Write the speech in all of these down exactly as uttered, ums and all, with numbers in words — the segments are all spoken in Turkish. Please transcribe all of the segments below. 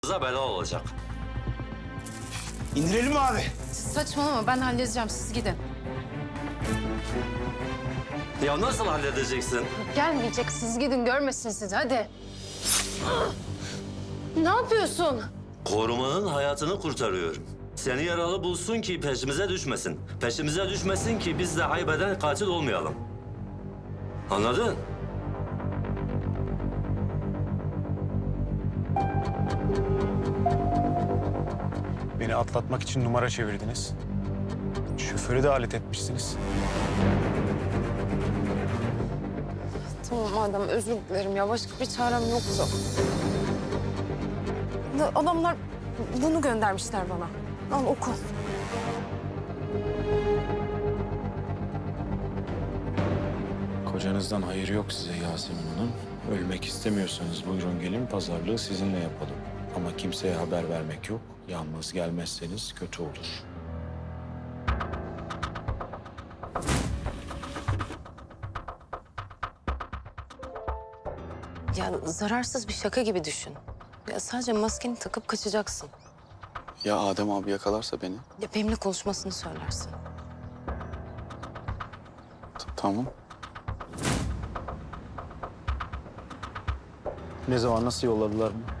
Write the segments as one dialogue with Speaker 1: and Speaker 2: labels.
Speaker 1: bela olacak.
Speaker 2: İndirelim mi abi?
Speaker 3: Saçmalama, ben halledeceğim, siz gidin.
Speaker 1: Ya nasıl halledeceksin?
Speaker 3: Gelmeyecek, siz gidin, görmesin sizi, hadi. Ne yapıyorsun?
Speaker 1: Korumanın hayatını kurtarıyorum. Seni yaralı bulsun ki peşimize düşmesin. Peşimize düşmesin ki biz de haybeden katil olmayalım. Anladın?
Speaker 2: Beni atlatmak için numara çevirdiniz. Şoförü de alet etmişsiniz.
Speaker 3: Tamam madem, özür dilerim ya. Başka bir çarem yoktu. Da- Adamlar bunu göndermişler bana. Al oku.
Speaker 4: Kocanızdan hayır yok size Yasemin Hanım. Ölmek istemiyorsanız buyurun gelin, pazarlığı sizinle yapalım. Ama kimseye haber vermek yok. Yalnız gelmezseniz kötü olur.
Speaker 3: Ya zararsız bir şaka gibi düşün. Ya sadece maskeni takıp kaçacaksın.
Speaker 4: Ya Adem abi yakalarsa beni?
Speaker 3: Ya benimle konuşmasını söylersin.
Speaker 4: T- Tamam.
Speaker 2: Ne zaman, nasıl yolladılar bunu?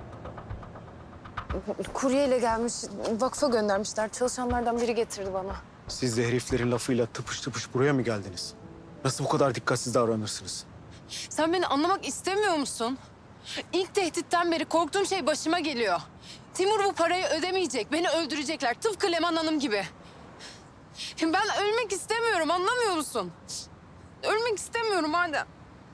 Speaker 3: Kuryeyle gelmiş, vakfa göndermişler. Çalışanlardan biri getirdi bana.
Speaker 2: Siz de heriflerin lafıyla tıpış tıpış buraya mı geldiniz? Nasıl bu kadar dikkatsiz davranırsınız?
Speaker 3: Sen beni anlamak istemiyor musun? İlk tehditten beri korktuğum şey başıma geliyor. Timur bu parayı ödemeyecek, beni öldürecekler. Tıpkı Leman Hanım gibi. Ben ölmek istemiyorum, anlamıyor musun? Ölmek istemiyorum Adem.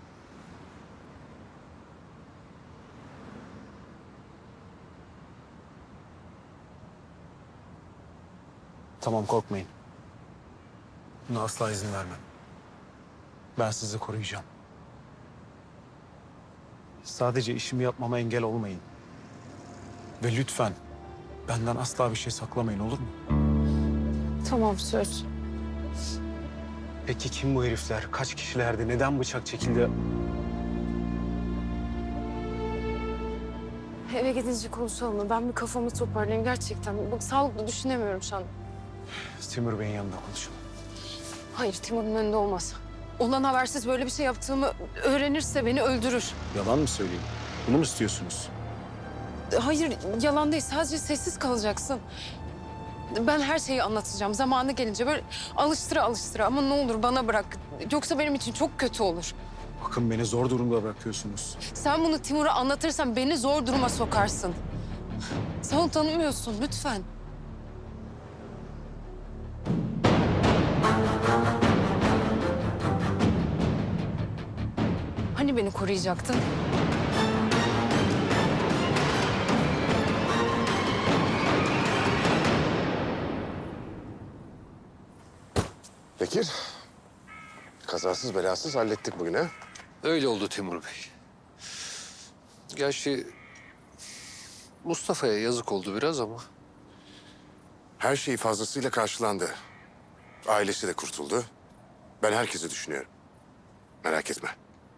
Speaker 2: Tamam, korkmayın. Buna asla izin vermem. Ben sizi koruyacağım. Sadece işimi yapmama engel olmayın. Ve lütfen benden asla bir şey saklamayın, olur mu?
Speaker 3: Tamam, söz.
Speaker 2: Peki kim bu herifler? Kaç kişilerdi? Neden bıçak çekildi?
Speaker 3: Eve gidince konuşalım mı? Ben bir kafamı toparlayayım gerçekten. Bak sağlıklı düşünemiyorum şu an.
Speaker 2: Timur Bey'in yanında konuşalım.
Speaker 3: Hayır, Timur'un önünde olmaz. Ondan habersiz böyle bir şey yaptığımı öğrenirse beni öldürür.
Speaker 2: Yalan mı söyleyeyim? Bunu mu istiyorsunuz?
Speaker 3: Hayır, yalan değil. Sadece sessiz kalacaksın. Ben her şeyi anlatacağım. Zamanı gelince böyle alıştıra alıştıra. Ama ne olur bana bırak. Yoksa benim için çok kötü olur.
Speaker 2: Bakın, beni zor durumda bırakıyorsunuz.
Speaker 3: Sen bunu Timur'a anlatırsan beni zor duruma sokarsın. Sen onu tanımıyorsun. Lütfen. Hani beni koruyacaktın?
Speaker 5: Bekir, kazasız belasız hallettik bugün ha?
Speaker 6: Öyle oldu Timur Bey. Gerçi Mustafa'ya yazık oldu biraz ama
Speaker 5: Her şey fazlasıyla karşılandı. Ailesi de kurtuldu. Ben herkesi düşünüyorum. Merak etme.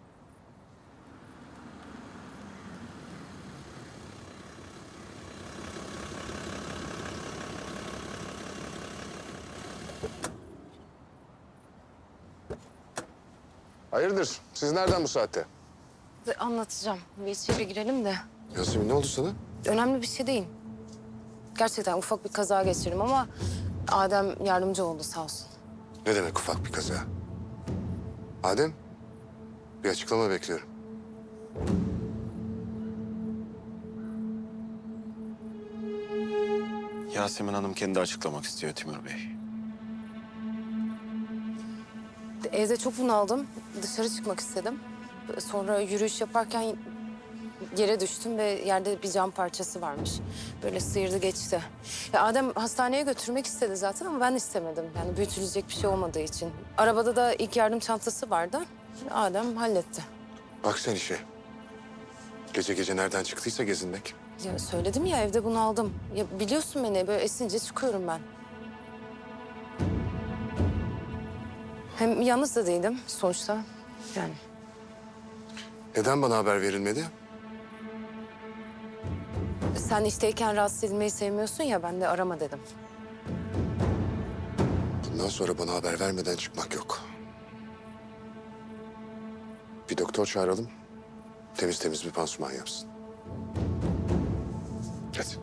Speaker 5: Hayırdır? Siz nereden bu saatte?
Speaker 3: Anlatacağım. Bir içeri girelim de.
Speaker 5: Yasemin, ne oldu sana?
Speaker 3: Önemli bir şey değil. Gerçekten ufak bir kaza geçirdim ama Adem yardımcı oldu sağ olsun.
Speaker 5: Ne demek ufak bir kaza? Adem, bir açıklama bekliyorum.
Speaker 4: Yasemin Hanım kendi açıklamak istiyor Timur Bey.
Speaker 3: Evde çok bunaldım. Dışarı çıkmak istedim. Sonra yürüyüş yaparken yere düştüm ve yerde bir cam parçası varmış. Böyle sıyırdı geçti. Ya Adem hastaneye götürmek istedi zaten ama ben istemedim. Yani büyütülecek bir şey olmadığı için. Arabada da ilk yardım çantası vardı. Adem halletti.
Speaker 5: Bak sen işe. Gece gece nereden çıktıysa gezinmek.
Speaker 3: Ya söyledim ya, evde bunaldım. Ya biliyorsun beni, böyle esince çıkıyorum ben. Hem yalnız da değildim sonuçta. Yani
Speaker 5: Neden bana haber verilmedi?
Speaker 3: Sen işteyken rahatsız edilmeyi sevmiyorsun ya, ben de arama dedim.
Speaker 5: Bundan sonra bana haber vermeden çıkmak yok. Bir doktor çağıralım. Temiz temiz bir pansuman yapsın. Hadi.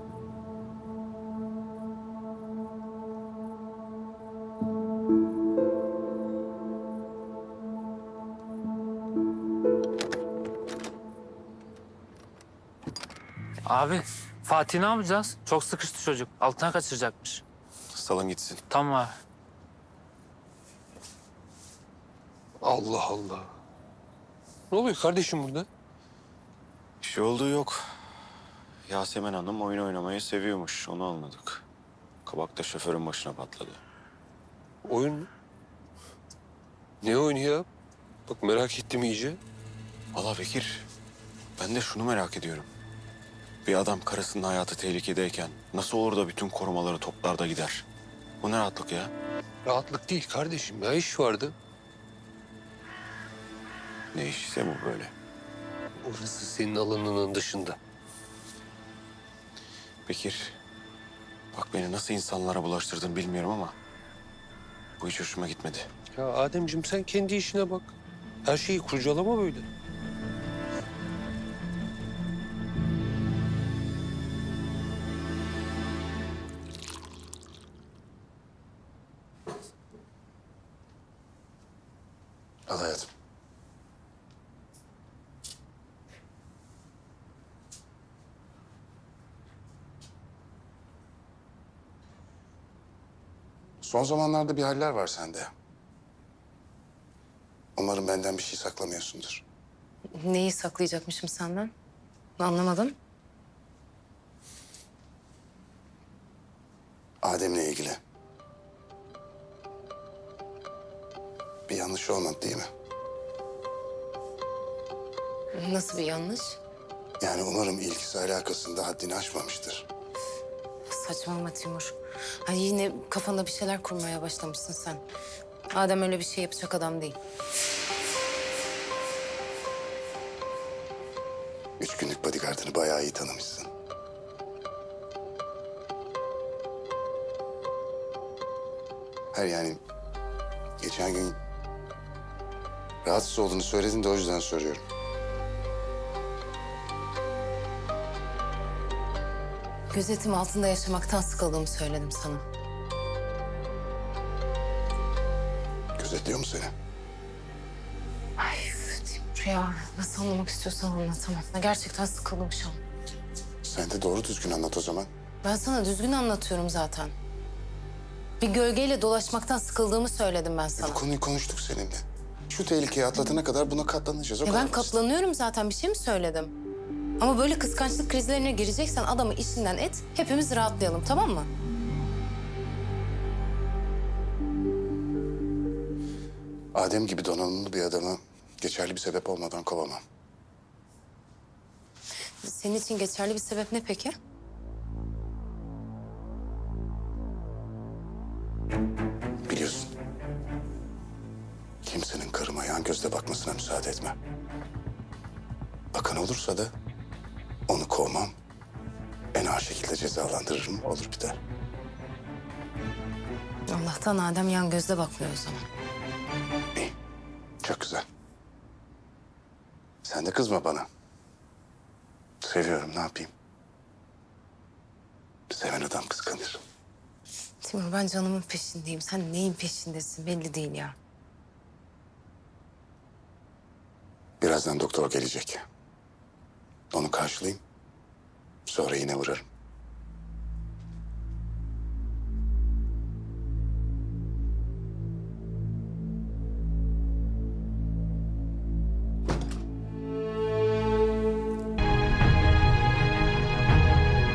Speaker 7: Abi Fatih ne yapacağız? Çok sıkıştı çocuk. Altına kaçıracakmış.
Speaker 4: Salın gitsin.
Speaker 7: Tamam abi.
Speaker 6: Allah Allah. Ne oluyor kardeşim burada?
Speaker 4: Bir şey olduğu yok. Yasemin Hanım oyun oynamayı seviyormuş. Onu anladık. Kabak da şoförün başına patladı.
Speaker 6: Oyun mu? Ne oyunu ya? Bak merak ettim iyice.
Speaker 4: Valla Bekir, ben de şunu merak ediyorum. Bir adam karısının hayatı tehlikedeyken nasıl olur da bütün korumaları toplar da gider? Bu ne rahatlık ya?
Speaker 6: Rahatlık değil kardeşim ya, iş vardı.
Speaker 4: Ne iş ise bu böyle.
Speaker 6: Orası senin alanının dışında.
Speaker 4: Bekir, bak beni nasıl insanlara bulaştırdın bilmiyorum ama bu hiç hoşuma gitmedi.
Speaker 6: Ya Ademciğim sen kendi işine bak. Her şeyi kurcalama böyle.
Speaker 5: Al hayatım. Son zamanlarda bir haller var sende. Umarım benden bir şey saklamıyorsundur.
Speaker 3: Neyi saklayacakmışım senden? Anlamadım.
Speaker 5: Adem'le ilgili. Bir yanlış olmadı değil mi?
Speaker 3: Nasıl bir yanlış?
Speaker 5: Yani umarım ilgisi alakasında haddini aşmamıştır.
Speaker 3: Saçmalama Timur. Ay yine kafanda bir şeyler kurmaya başlamışsın sen. Adem öyle bir şey yapacak adam değil.
Speaker 5: Üç günlük bodyguardını bayağı iyi tanımışsın. Hayır yani geçen gün rahatsız olduğunu söyledin de o yüzden soruyorum.
Speaker 3: Gözetim altında yaşamaktan sıkıldığımı söyledim sana.
Speaker 5: Gözetliyor mu seni?
Speaker 3: Ay Timur ya, nasıl anlamak istiyorsan anlat tamam. Ben gerçekten sıkıldım şu an.
Speaker 5: Sen de doğru düzgün anlat o zaman.
Speaker 3: Ben sana düzgün anlatıyorum zaten. Bir gölgeyle dolaşmaktan sıkıldığımı söyledim ben
Speaker 5: E,
Speaker 3: sana.
Speaker 5: bu konuyu konuştuk seninle. Şu tehlikeyi atlatana kadar buna katlanacağız. O
Speaker 3: Ya
Speaker 5: kadar
Speaker 3: ben
Speaker 5: basit.
Speaker 3: katlanıyorum zaten, bir şey mi söyledim? Ama böyle kıskançlık krizlerine gireceksen adamı işinden et, hepimiz rahatlayalım tamam mı?
Speaker 5: Adem gibi donanımlı bir adamı geçerli bir sebep olmadan kovamam.
Speaker 3: Senin için geçerli bir sebep ne peki?
Speaker 5: Biliyorsun. Kimsenin karıma yan gözle bakmasına müsaade etmem. Bakan olursa da onu kovmam. En ağır şekilde cezalandırırım, olur biter.
Speaker 3: Allah'tan Adem yan gözle bakmıyor o zaman.
Speaker 5: İyi, çok güzel. Sen de kızma bana. Seviyorum, ne yapayım? Seven adam kıskanır.
Speaker 3: Timur ben canımın peşindeyim. Sen neyin peşindesin belli değil ya.
Speaker 5: Birazdan doktor gelecek. Onu karşılayayım. Sonra yine uğrarım.